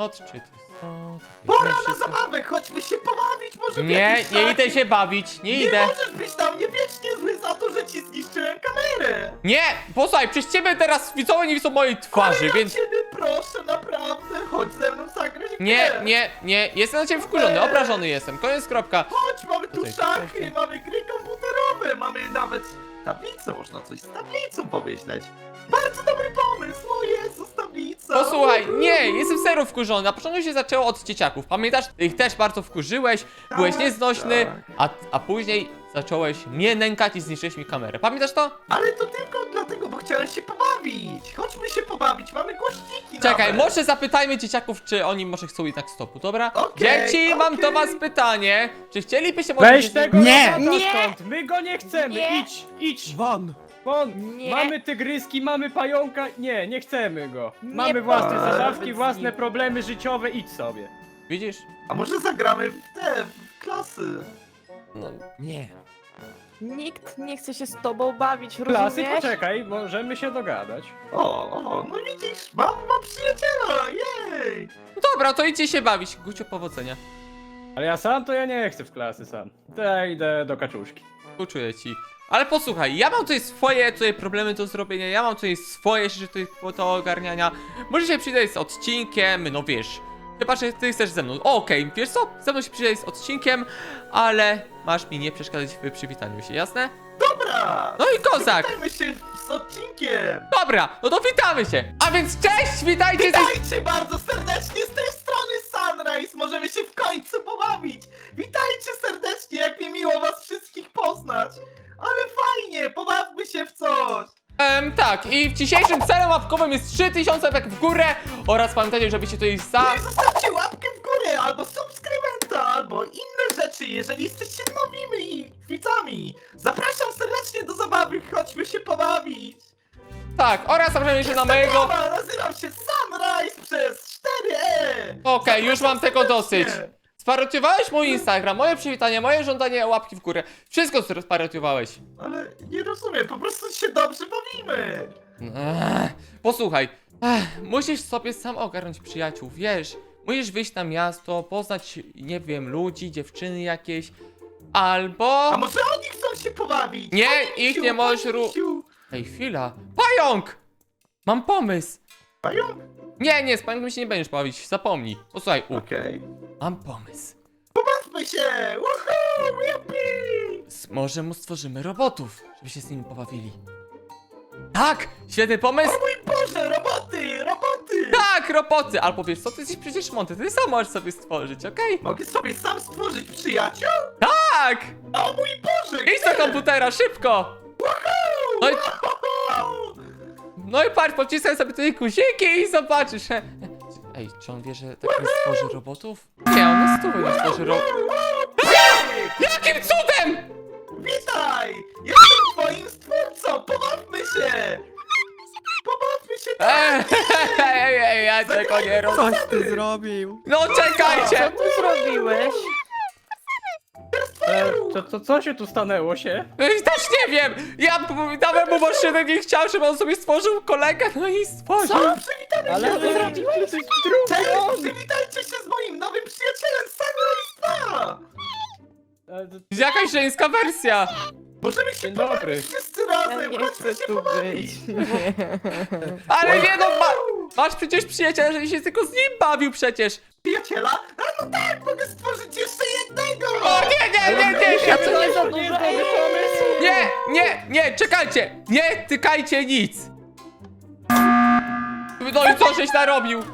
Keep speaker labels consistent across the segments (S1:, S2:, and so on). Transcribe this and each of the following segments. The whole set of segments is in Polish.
S1: Odczyty są...
S2: Pora na zabawę, chodźmy się pobawić, może w
S1: Nie,
S2: jakiś
S1: nie
S2: taki-
S1: idę się bawić, nie
S2: Nie
S1: idę.
S2: możesz być na mnie wiecznie zły za to, że ci zniszczyłem kamerę.
S1: Nie, posłuchaj, przez ciebie teraz widzowie nie widzą mojej twarzy,
S2: Ale
S1: więc...
S2: ja ciebie proszę, naprawdę, chodź ze mną zagrać w
S1: Nie,
S2: grę.
S1: nie, jestem na ciebie wkurzony, obrażony jestem, koniec, kropka.
S2: Chodź, mamy tu
S1: Tutaj,
S2: szachy,
S1: tutaj.
S2: mamy gry komputerowe, mamy nawet tablicę, można coś z tablicą pomyśleć. Bardzo dobry pomysł, o Jezus, tablica.
S1: Posłuchaj, nie, jestem serio wkurzony. Na początku się zaczęło od dzieciaków. Pamiętasz? Ty ich też bardzo wkurzyłeś, byłeś
S2: Tak,
S1: nieznośny,
S2: tak.
S1: a później zacząłeś mnie nękać i zniszczyłeś mi kamerę. Pamiętasz to?
S2: Ale to tylko dlatego, bo chciałem się pobawić. Chodźmy się pobawić, mamy głośniki
S1: Czekaj,
S2: nawet.
S1: może zapytajmy dzieciaków, czy oni może chcą i tak stopu, dobra?
S2: Okej,
S1: Dzieci, mam do
S2: okej.
S1: was pytanie. Czy chcielibyście może...
S3: Weź tego
S4: Nie!
S3: robota
S4: Nie!
S3: stąd! My go nie chcemy!
S5: Nie!
S3: Idź!
S4: Won!
S3: Won!
S5: Nie.
S3: Mamy tygryski, mamy pająka. Nie chcemy go.
S5: Nie
S3: Mamy własne
S2: powiedz
S3: zajawki,
S2: mi.
S3: własne problemy życiowe, idź sobie.
S1: Widzisz?
S2: A może zagramy w klasy?
S1: No,
S4: Nie.
S5: Nikt nie chce się z tobą bawić,
S3: Klasy,
S5: rozumiesz?
S3: poczekaj, możemy się dogadać.
S2: No widzisz, mam przyjaciela, jej!
S1: dobra, to idźcie się bawić. Gucio, powodzenia.
S3: Ale ja sam to ja nie chcę w klasy sam. To ja idę do kaczuszki.
S1: Współczuję ci. Ale posłuchaj, ja mam tutaj swoje problemy do zrobienia, ja mam tutaj swoje rzeczy tutaj do ogarniania. Może się przyjdę z odcinkiem, no wiesz. Chyba, że ty chcesz ze mną. Okej, wiesz co? Ze mną się przyjdę z odcinkiem, ale masz mi nie przeszkadzać w przywitaniu się, jasne?
S2: Dobra!
S1: No i kozak!
S2: Witajmy się z odcinkiem!
S1: Dobra, no to witamy się! A więc cześć, witajcie!
S2: Witajcie bardzo serdecznie z tej strony Sunrise! Możemy się w końcu pobawić! Witajcie serdecznie, jak mi miło was wszystkich poznać! Ale fajnie, pobawmy się w coś!
S1: Tak, i w dzisiejszym celem łapkowym jest 3000 łapek w górę oraz pamiętajcie, żebyście tutaj
S2: No i zostawcie łapkę w górę, albo subskrybenta, albo inne rzeczy, jeżeli jesteście nowymi widzami! Zapraszam serdecznie do zabawy, chodźmy się pobawić!
S1: Tak, oraz zapraszam się na mojego...
S2: Dobra, nazywam się Sunrise przez 4E!
S1: Okej, już mam tego dosyć.
S2: Zapraszam.
S1: Sparodiowałeś mój Instagram, moje przywitanie, moje żądanie łapki w górę. Wszystko sparodiowałeś.
S2: Ale nie rozumiem, po prostu się dobrze bawimy!
S1: Posłuchaj, musisz sobie sam ogarnąć przyjaciół, wiesz. Musisz wyjść na miasto, poznać, nie wiem, ludzi, dziewczyny jakieś. Albo...
S2: A może oni chcą się pobawić?
S1: Nie,
S2: Panie
S1: ich
S2: misiu,
S1: nie możesz
S2: panie misiu.
S1: Ej, chwila. Pająk! Mam pomysł.
S2: Pająk?
S1: Nie, z pająkiem się nie będziesz bawić, zapomnij. Posłuchaj,
S2: Okej.
S1: mam pomysł.
S2: Bawmy się! Woohoo! Yippee!
S1: Może mu stworzymy robotów, żeby się z nimi pobawili. Tak, świetny pomysł.
S2: O mój Boże, roboty! Roboty!
S1: Tak, roboty! Albo wiesz co, ty jesteś przecież mądry, ty sam możesz sobie stworzyć, okej?
S2: Mogę sobie sam stworzyć przyjaciół?
S1: Tak!
S2: O mój Boże!
S1: Idź do komputera, szybko! No i,
S2: Woohoo!
S1: no i patrz, pocisnę sobie tutaj guziki i zobaczysz. Ej, czy on wie, że tak nie stworzy robotów? Nie, on na stół nie stworzy robotów. Jakim cudem?
S2: Witaj! Jestem twoim stwórcą! Pobawmy się! Pobawmy się tak!
S1: Ej, ja tego nie rozumiem.
S4: Coś ty zrobił!
S1: No
S5: Co
S1: czekajcie!
S5: ty zrobiłeś?
S3: Co się tu stanęło się?
S1: Też nie wiem! Ja dałem mu maszynę, nie chciał, żeby on sobie stworzył kolegę, no i stworzył.
S2: Przywitamy
S3: Ale
S2: się!
S3: ty zrobiłeś drugi
S2: Cześć!
S3: on!
S2: Przywitajcie się z moim nowym przyjacielem Sunrise 2!
S1: Jakaś żeńska wersja.
S2: Możemy się
S3: Dzień dobry.
S2: pobawić wszyscy
S5: Ja
S2: razem!
S5: nie
S2: Chodźmy
S5: chcę
S2: się
S5: tu
S2: pobawić!
S5: być. Nie.
S1: Ale nie no, masz przecież przyjaciela, że się tylko z nim bawił przecież.
S2: Przyjaciela? A no tak, mogę stworzyć jeszcze jednego!
S1: O nie!
S5: Ja to nie za
S3: To nie jest
S5: dużo.
S3: dobry pomysł!
S1: Nie, czekajcie! Nie tykajcie nic! No i co żeś narobił?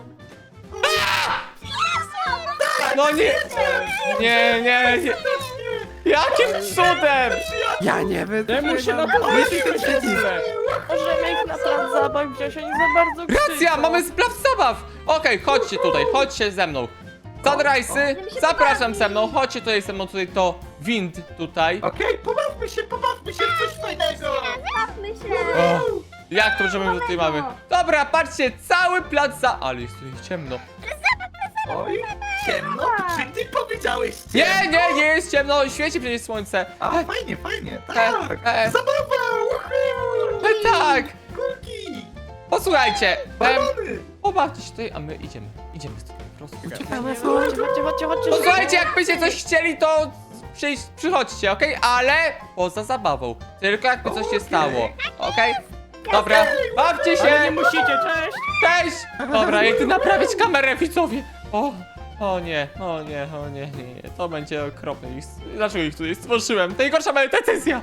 S1: No nie. Jakim cudem?
S4: Ja nie
S3: Temu się na
S4: Jeśli ten
S3: podwyższy
S4: przycisk!
S5: Możemy ich na plac zabaw wziąć, oni za bardzo krzyczą.
S1: Racja, mamy splaw zabaw! Okej, chodźcie tutaj, chodźcie ze mną. Sunrise'y, zapraszam ze mną, chodźcie tutaj ze mną, tutaj to wind tutaj.
S2: Okej, pobawmy się w coś fajnego!
S1: O, jak to, że my tutaj mamy? Dobra, patrzcie, cały plac za... Ale jest tutaj ciemno.
S2: Oj, ciemno? Czy ty powiedziałeś ciemno?
S1: Nie jest ciemno, świeci przecież słońce.
S2: A, fajnie, tak! Zabawa! Woohoo!
S1: Tak,
S2: Kulki!
S1: posłuchajcie.
S2: Balony!
S1: Pobawcie się tutaj, a my idziemy. Idziemy stąd po prostu.
S5: Chodźcie.
S1: Posłuchajcie, jakbyście coś chcieli, to przychodźcie, okej? Ale poza zabawą. Tylko jakby coś się
S2: Okej.
S1: stało, okej? Dobra, bawcie
S3: Ale nie
S1: się!
S3: musicie, cześć!
S1: Cześć! Dobra, idę naprawić kamerę, widzowie. O nie, to będzie okropne. Dlaczego ich tutaj stworzyłem? To najgorsza moja decyzja.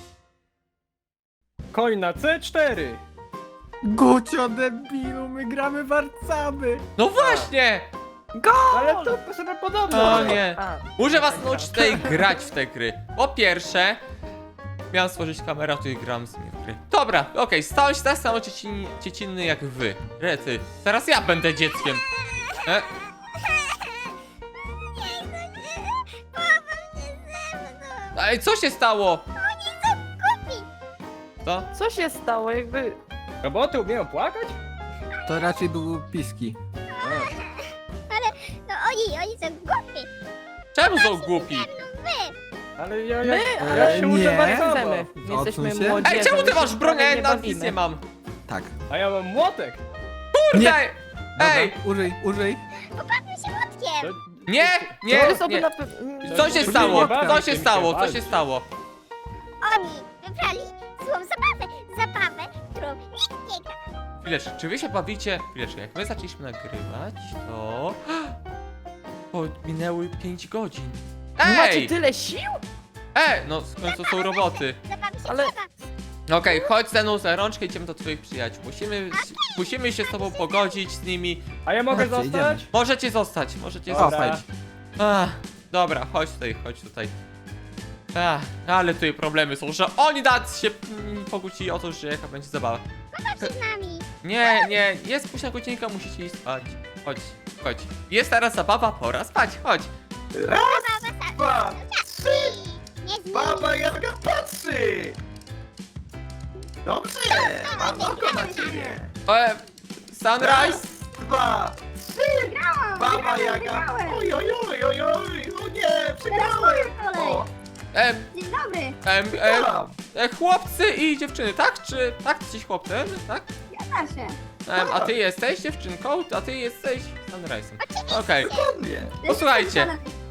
S3: Koń na C4!
S4: Gucio debilu, my gramy warcaby.
S1: No właśnie!
S3: Ale to sobie podobno!
S1: O nie. Muszę was nauczyć tutaj grać w te gry. Po pierwsze, miałem stworzyć kamerę, a tutaj gram z nimi w gry. Dobra, okej, stałem się tak samo dziecinny jak wy. Rety, teraz ja będę dzieckiem. Ej, co się stało? Co?
S5: Co się stało? Jakby...
S3: Roboty umieją płakać?
S4: To raczej były piski.
S6: No oni są głupi.
S1: Czemu są głupi?
S3: Ale ja
S5: Ale
S3: się uczę
S4: nie.
S3: warcaby.
S5: Chcemy. My jesteśmy
S4: Odsuń się.
S5: młodzi.
S1: Ej, czemu ty masz broń?
S5: broń?
S1: Ja nawet nic nie mam.
S4: Tak.
S3: A ja mam młotek!
S1: Kurde!
S4: Dobra,
S1: Ej!
S4: użyj.
S6: Pobawmy się młotkiem.
S1: Nie,
S5: To
S1: nie,
S5: sobie
S1: nie.
S5: na
S1: Co się
S3: Użyj
S1: stało?
S3: nie bawi
S1: Co
S3: się,
S1: się
S3: mi się
S1: stało? Co
S3: bawi.
S1: się stało?
S6: Oni wybrali złą zabawę. Zabawę, którą nikt nie gra.
S1: Chwileczkę, czy wy się bawicie? Chwileczkę, jak my zaczęliśmy nagrywać, to... minęły 5 godzin.
S5: Macie
S1: Ej!
S5: tyle sił?
S1: No w końcu są roboty.
S6: Zabawy się
S5: Ale-
S6: trzeba.
S1: Okej, chodź ze mną za rączkę, idziemy do twoich przyjaciół. Musimy się z tobą pogodzić z nimi.
S3: A ja mogę
S4: Chodźcie,
S3: zostać?
S1: Możecie zostać, możecie
S3: Dobra.
S1: zostać. Dobra, chodź tutaj. Ale tutaj problemy są, że oni nas się pokłócili o to, że jaka będzie zabawa.
S6: Pobaw się z nami.
S1: Nie, jest późna godzinka, musicie iść spać. Chodź. Jest teraz zabawa, pora spać, chodź.
S2: Raz, dwa, trzy!
S6: Nie z nimi.
S2: Baba Jaga patrzy! Dobrze, mam oko na ciebie!
S1: Sunrise?
S2: Raz, dwa, trzy! Baba Jaga! Oj, o nie, przegrałem! O,
S6: Dzień dobry.
S2: wygrałam!
S1: Chłopcy i dziewczyny, tak? Czy tak jesteś chłopcem, tak?
S6: Proszę.
S1: A ty jesteś dziewczynką, a ty jesteś Sunrise'em. Okej,
S2: Dokładnie!
S1: posłuchajcie.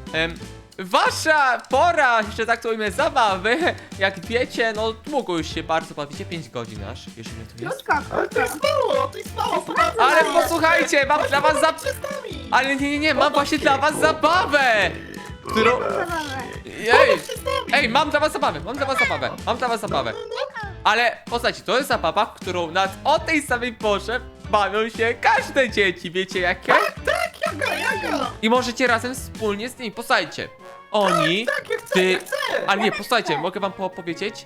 S1: Wasza pora, że tak to ujmę, zabawy, jak wiecie, no długo już się bardzo bawicie, 5 godzin aż, wiesz ile to jest?
S2: Ale to jest mało, pobawmy
S1: Ale
S2: się.
S1: posłuchajcie, mam dla was
S2: Pobawmy się z nami.
S1: Ale nie, mam właśnie dla was zabawę! Którą... Ej,
S2: Pobaw się z nami.
S1: ej, mam dla was zabawę. Ale posłuchajcie, to jest zabawa, w którą o tej samej porze bawią się każde dzieci, wiecie jakie?
S2: Tak, Jaga!
S1: I możecie razem wspólnie z nimi, posłuchajcie. Oni,
S2: Tak, ja chcę,
S1: ty,
S2: ja chcę!
S1: ale nie, posłuchajcie, mogę wam powiedzieć?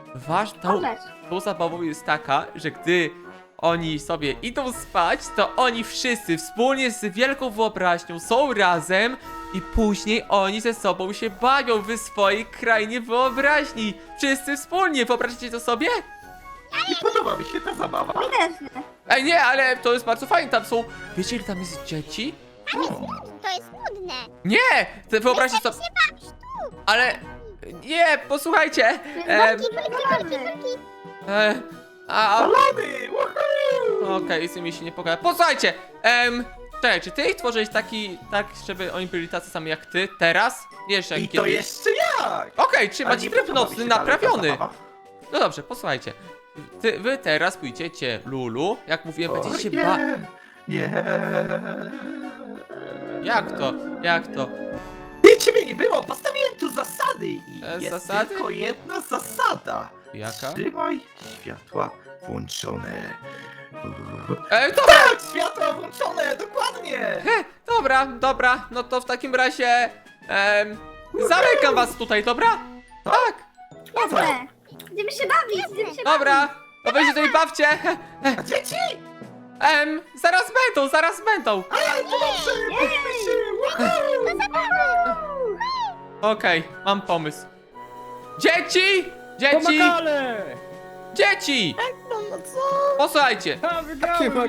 S1: Tą zabawą jest taka, że gdy oni sobie idą spać, to oni wszyscy wspólnie z wielką wyobraźnią są razem i później oni ze sobą się bawią w swojej krainie wyobraźni. Wszyscy wspólnie, wyobraźcie to sobie?
S2: Nie podoba mi się ta zabawa.
S1: Ej, nie, ale to jest bardzo fajne, tam są, wiecie ile tam jest dzieci?
S6: To jest nudne.
S1: Nie! Wyobraźcie sobie,
S6: się bawisz tu.
S1: ale, nie, posłuchajcie.
S6: Kulki.
S2: Balony! Woohoo!
S1: Okej, z nimi się nie pogada. Posłuchajcie! Czekaj, czy ty ich tworzyłeś tak, żeby oni byli tacy sami jak ty teraz? Nie jeszcze
S2: I
S1: jak
S2: to
S1: kiedyś.
S2: jeszcze jak!
S1: Okej, czyli
S2: A
S1: macie
S2: nie
S1: tryb
S2: podoba mi
S1: nocny
S2: się dalej ta
S1: naprawiony.
S2: zabawa.
S1: No dobrze, posłuchajcie. Wy teraz pójdziecie, Lulu, jak mówiłem, będziecie się
S2: O, nie.
S1: Jak to?
S2: Nie, ciebie nie było, postawiłem tu zasady i jest
S1: zasady?
S2: tylko jedna zasada.
S1: Jaka?
S2: Trzymaj światła włączone.
S1: Dobra!
S2: Tak, światła włączone, dokładnie!
S1: Dobra, no to w takim razie, zamykam was tutaj, dobra? Tak, dobra,
S6: Będziemy się bawić,
S1: dobra. To weźcie tutaj bawcie.
S2: A dzieci?
S1: Zaraz będą.
S2: Ale to dobrze, bawimy się! Woohoo!
S1: Okej, mam pomysł. Dzieci!
S3: Pomakale!
S1: Dzieci! Posłuchajcie,
S3: Ha, wygrałem!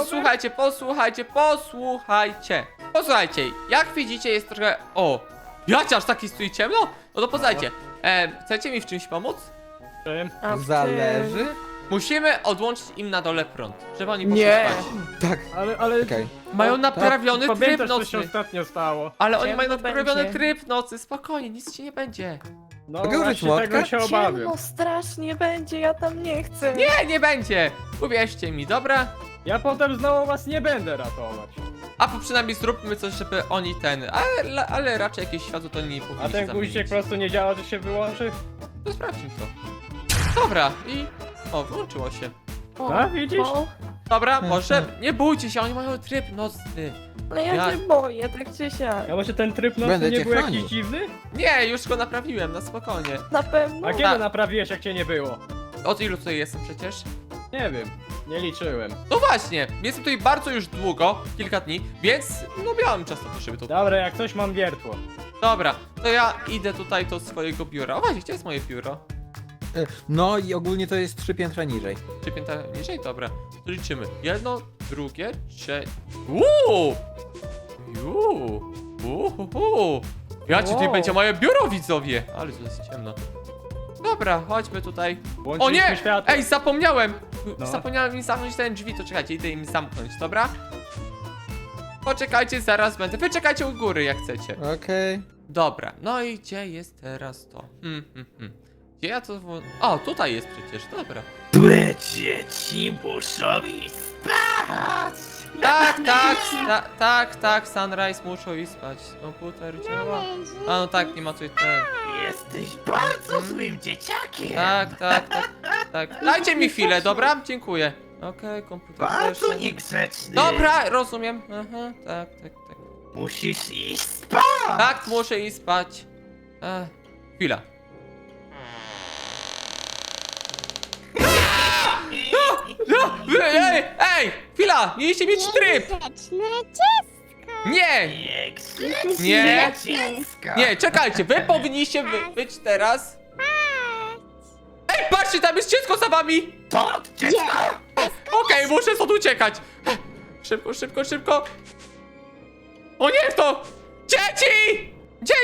S1: posłuchajcie, jak widzicie jest trochę, jacie aż taki stój ciemno? No to posłuchajcie, chcecie mi w czymś pomóc?
S5: A w
S4: Zależy.
S1: Musimy odłączyć im na dole prąd, żeby oni poszli
S5: Nie.
S1: spać.
S4: Tak,
S3: Ale
S4: okej.
S1: Mają naprawiony tryb
S3: pamiętasz, co się
S1: nocny.
S3: ostatnio stało?
S1: Ale oni
S5: Ciemno
S1: mają naprawiony
S5: będzie.
S1: tryb nocy, spokojnie, nic ci nie będzie.
S3: No
S4: Mogę użyć
S3: właśnie
S4: młotka?
S3: tego się obawiam.
S5: Ciemno strasznie będzie, ja tam nie chcę.
S1: Nie będzie! Uwierzcie mi, dobra?
S3: Ja potem znowu was nie będę ratować.
S1: A przynajmniej zróbmy coś, żeby oni ale raczej jakieś światło to nie powinni
S3: A ten
S1: się
S3: guziczek
S1: zamienić.
S3: po prostu nie działa, że się wyłączy?
S1: To sprawdźmy to. Dobra, i... O, wyłączyło się.
S5: O,
S3: A, widzisz?
S5: o,
S1: Dobra, może... Nie bójcie się, oni mają tryb nocny.
S5: ale ja
S1: Ja-
S5: się boję, tak czy siak.
S3: A może ten tryb nocny
S4: Będę
S3: nie
S4: cię
S3: był
S4: chronił.
S3: jakiś dziwny?
S1: Nie, już go naprawiłem, na spokojnie.
S5: Na pewno.
S3: A kiedy naprawiłeś, jak cię nie było?
S1: Od ilu tutaj jestem przecież?
S3: Nie wiem, nie liczyłem.
S1: No właśnie, jestem tutaj bardzo już długo, kilka dni, więc no miałem czas na to, żeby to...
S3: Dobra, jak coś mam wiertło.
S1: Dobra, to ja idę tutaj do swojego biura. O właśnie, gdzie jest moje biuro?
S4: No i ogólnie to jest 3 piętra niżej.
S1: 3 piętra niżej? Dobra, to liczymy. Jedno, drugie, trzecie... Uuu! Ja ci tutaj
S3: Wow.
S1: będzie moje biuro, widzowie! Ale to jest ciemno. Dobra, chodźmy tutaj. O
S3: Włączyliśmy
S1: nie!
S3: światło.
S1: Ej, zapomniałem!
S3: No.
S1: Zapomniałem im zamknąć ten drzwi, to czekajcie, idę im zamknąć, dobra? Poczekajcie, zaraz będę. Wy czekajcie u góry, jak chcecie.
S4: Okej.
S1: Dobra, no i gdzie jest teraz to? Gdzie ja to... O, tutaj jest przecież, dobra.
S2: Dzieci muszą iść spać!
S1: Tak, Sunrise muszą iść spać. Komputer działa. A no tak, nie ma tutaj ten.
S2: Jesteś bardzo złym dzieciakiem!
S1: Tak. Dajcie mi chwilę, dobra? Dziękuję. Okej, komputer
S2: Bardzo
S1: też.
S2: niegrzeczny!
S1: Dobra, rozumiem. Aha, tak.
S2: Musisz iść spać!
S1: Tak, muszę iść spać. Chwila. Ej, chwila, mieliście mieć tryb.
S6: Niegrzeczne dziecko.
S1: Nie,
S2: Niegrzeczne
S1: Nie.
S2: dziecko!
S1: nie, czekajcie, wy powinniście być teraz. Ej, patrzcie, tam jest dziecko za wami.
S2: To dziecko!
S1: Okej, muszę stąd uciekać. Szybko. O nie, to! Dzieci!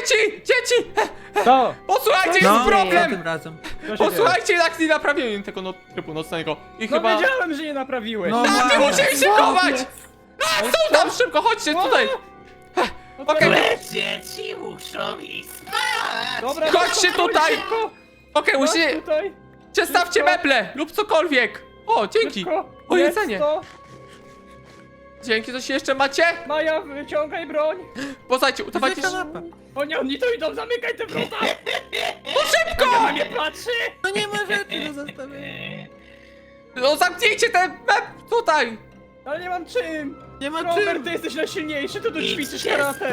S3: Co?
S1: Posłuchajcie, jest
S4: No,
S1: problem!
S4: tym razem.
S3: Co się dzieje?
S1: Posłuchajcie, jak nie naprawiłem tego trybu nocnego. I
S3: No
S1: chyba...
S3: wiedziałem, że nie naprawiłeś.
S4: No,
S1: A, ty musieli się chować!
S3: Ale
S1: Są tam, szybko, chodźcie tutaj!
S3: No to-
S1: Okej.
S2: Dzieci muszą iść spać!
S3: Dobra,
S1: Chodźcie
S3: szybko,
S1: tutaj!
S3: szybko,
S1: Okej,
S3: chodź
S1: musicie...
S3: tutaj,
S1: Przestawcie
S3: szybko.
S1: meble lub cokolwiek! O, dzięki!
S3: szybko.
S1: O,
S3: Jest
S1: jedzenie!
S3: to.
S1: Dzięki, coś jeszcze macie?
S3: Maja, wyciągaj broń.
S1: Poznajcie, udawajcie...
S4: kanapa.
S3: Oni tu idą, zamykaj te wrota.
S1: No szybko!
S3: Ja na mnie patrzy.
S4: No nie ma rzeczy do zostawienia.
S1: No zamknijcie ten meb tutaj!
S3: Ale nie mam czym.
S4: Nie ma
S3: Robert,
S4: czym.
S3: ty jesteś najsilniejszy, ty tu ćwiczysz
S2: Idźcie
S3: karate.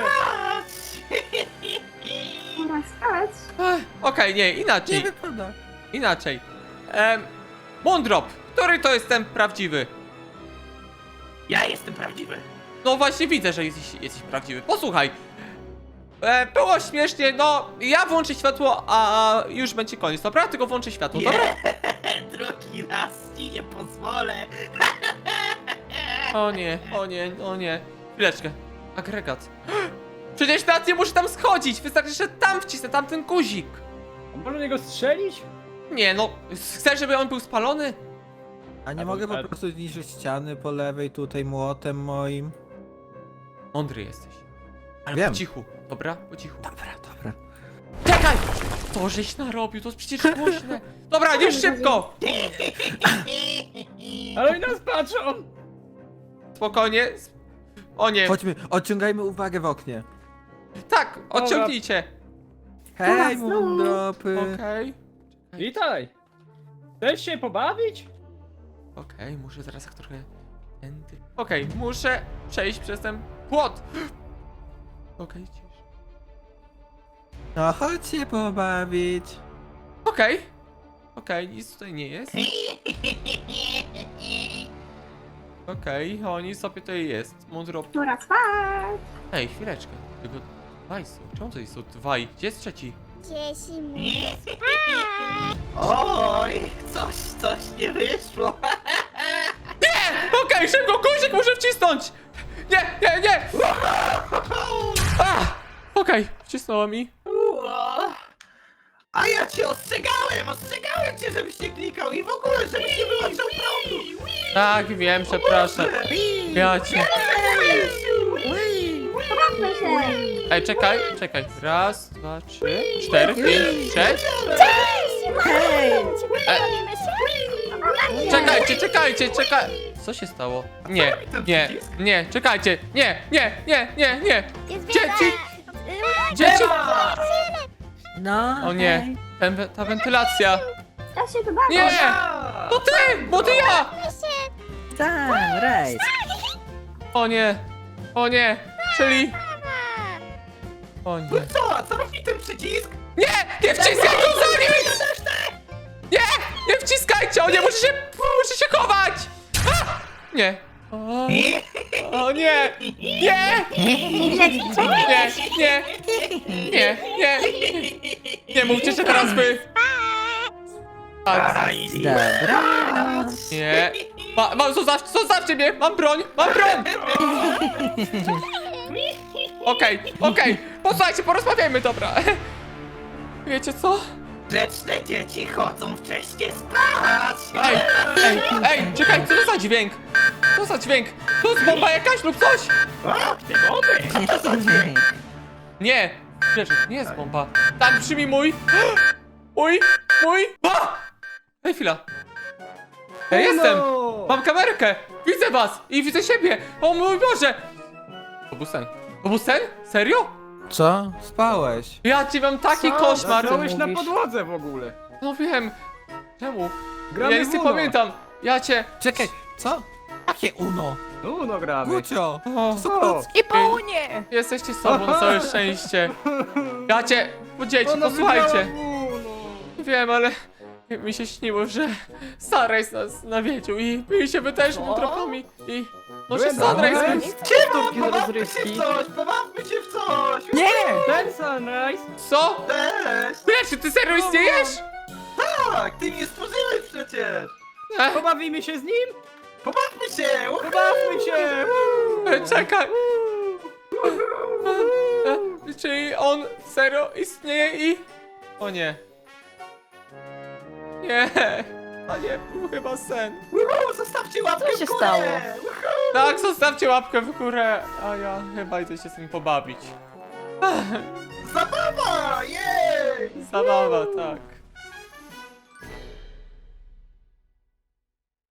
S1: Okej, nie,
S4: Nie
S1: inaczej.
S4: wypada.
S1: Inaczej. Moondrop, który to jest ten prawdziwy?
S2: Ja jestem prawdziwy!
S1: No właśnie widzę, że jesteś prawdziwy. Posłuchaj. Było śmiesznie, no ja włączę światło, a już będzie koniec, dobra? Tylko włączę światło, dobra?
S2: Drugi raz ci nie pozwolę!
S1: O nie. Chwileczkę. Agregat. Przecież teraz nie muszę tam schodzić, wystarczy, że tam wcisnę tamten guzik.
S3: A może niego strzelić?
S1: Nie no, chcesz, żeby on był spalony?
S4: A nie
S3: A
S4: mogę
S3: bo-
S4: po prostu zniszczyć ściany po lewej tutaj młotem moim.
S1: Mądry jesteś. Ale
S4: Wiem.
S1: po cichu, dobra? Po cichu.
S4: Dobra.
S1: Czekaj! To żeś narobił, to jest przecież głośne. Dobra, już szybko!
S3: Ale oni nas patrzą.
S1: Spokojnie. O nie.
S4: Chodźmy, odciągajmy uwagę w oknie.
S1: Tak, odciągnijcie.
S4: Hej, mundropy.
S1: Okej.
S3: Witaj. Chcesz się pobawić?
S1: Okej, muszę teraz tak trochę... Okej, muszę przejść przez ten płot. Okej, cisz.
S4: No chodź się pobawić.
S1: Okej, nic tutaj nie jest. Okej, oni sobie tutaj jest. Mądro...
S6: Pora spać.
S1: Ej, chwileczkę. Tylko dwaj są. Czemu to jest tu dwaj? Gdzie jest trzeci?
S6: Dzieci muszą spać.
S2: Oj, coś nie wyszło!
S1: Okej, szybko, guzik muszę wcisnąć! Nie! Okej, wcisnęła mi.
S2: A ja cię ostrzegałem cię, żebyś nie klikał i w ogóle, żebyś nie wyłączał prądu.
S1: Tak, wiem, przepraszam. Ja cię...
S6: Pobawmy się.
S1: Ej, czekaj. Raz, dwa, trzy, cztery, pięć, sześć.
S6: Hej!
S1: E.
S6: Pobawimy się.
S1: Czekajcie. Co się stało? Nie, czekajcie. Nie.
S6: Jest
S1: Dzieci!
S6: wiele.
S1: Dzieci!
S4: No.
S1: O nie, ta wentylacja.
S6: Ja się tu bawię.
S1: Nie! To ty! Bo ty ja!
S4: Sunrise.
S1: O nie, czyli... O nie.
S2: Co robi ten przycisk?
S1: Nie wciskaj go za nic! Nie wciskajcie! O nie, muszę się chować! A! Nie. O nie! Nie mówcie, że teraz wy... A, nie. Zostawcie mnie! Mam broń! Okej. Posłuchajcie, porozmawiajmy, dobra. Wiecie co?
S2: Grzeczne dzieci chodzą wcześniej spać.
S1: Ej, czekaj, co to za dźwięk? To jest bomba jakaś lub coś?
S2: O, ty bomby! Co to za dźwięk?
S1: Nie, nie jest bomba. Tak brzmi mój. Mój. A! Ej, chwila. Jestem. Mam kamerkę. Widzę was i widzę siebie. O mój Boże. To był sen? Serio?
S4: Co? Spałeś?
S1: Ja ci mam taki koszmar.
S3: Zasnąłeś na podłodze w ogóle.
S1: No wiem. Czemu?
S3: Gramy
S1: Ja nic nie
S3: w Uno.
S1: pamiętam. Ja cię...
S4: Czekaj, co? Jakie Uno?
S3: No gramy.
S4: Gucio!
S1: O,
S3: Co?
S5: I po unie!
S1: jesteście sobą, całe szczęście. Ja cię... Dzieci,
S3: Ona
S1: posłuchajcie.
S3: wygrała Uno.
S1: Wiem, ale mi się śniło, że Sunrise nas nawiedził i my się też trofami i... No się
S3: Byłem
S1: Sunrise...
S3: tam.
S2: Szybko,
S3: do
S2: pobawmy się
S3: rozrywki.
S2: w coś, pobawmy się w coś.
S3: Nie! Ten Sunrise!
S1: Co?
S2: Też.
S1: Wiesz, ty serio istniejesz?
S2: Tak, ty mnie stworzyłeś przecież.
S1: Ech,
S3: Pobawimy się z nim?
S2: Pobawmy się.
S3: Pobawmy się!
S1: czekaj. Czyli on serio istnieje i... O nie. Nie. To nie był chyba sen.
S2: Zostawcie łapkę
S5: Co się
S2: w górę.
S5: stało?
S1: Tak, zostawcie łapkę w górę, a ja chyba idę się z nim pobawić.
S2: Zabawa, jej.
S1: Zabawa, tak.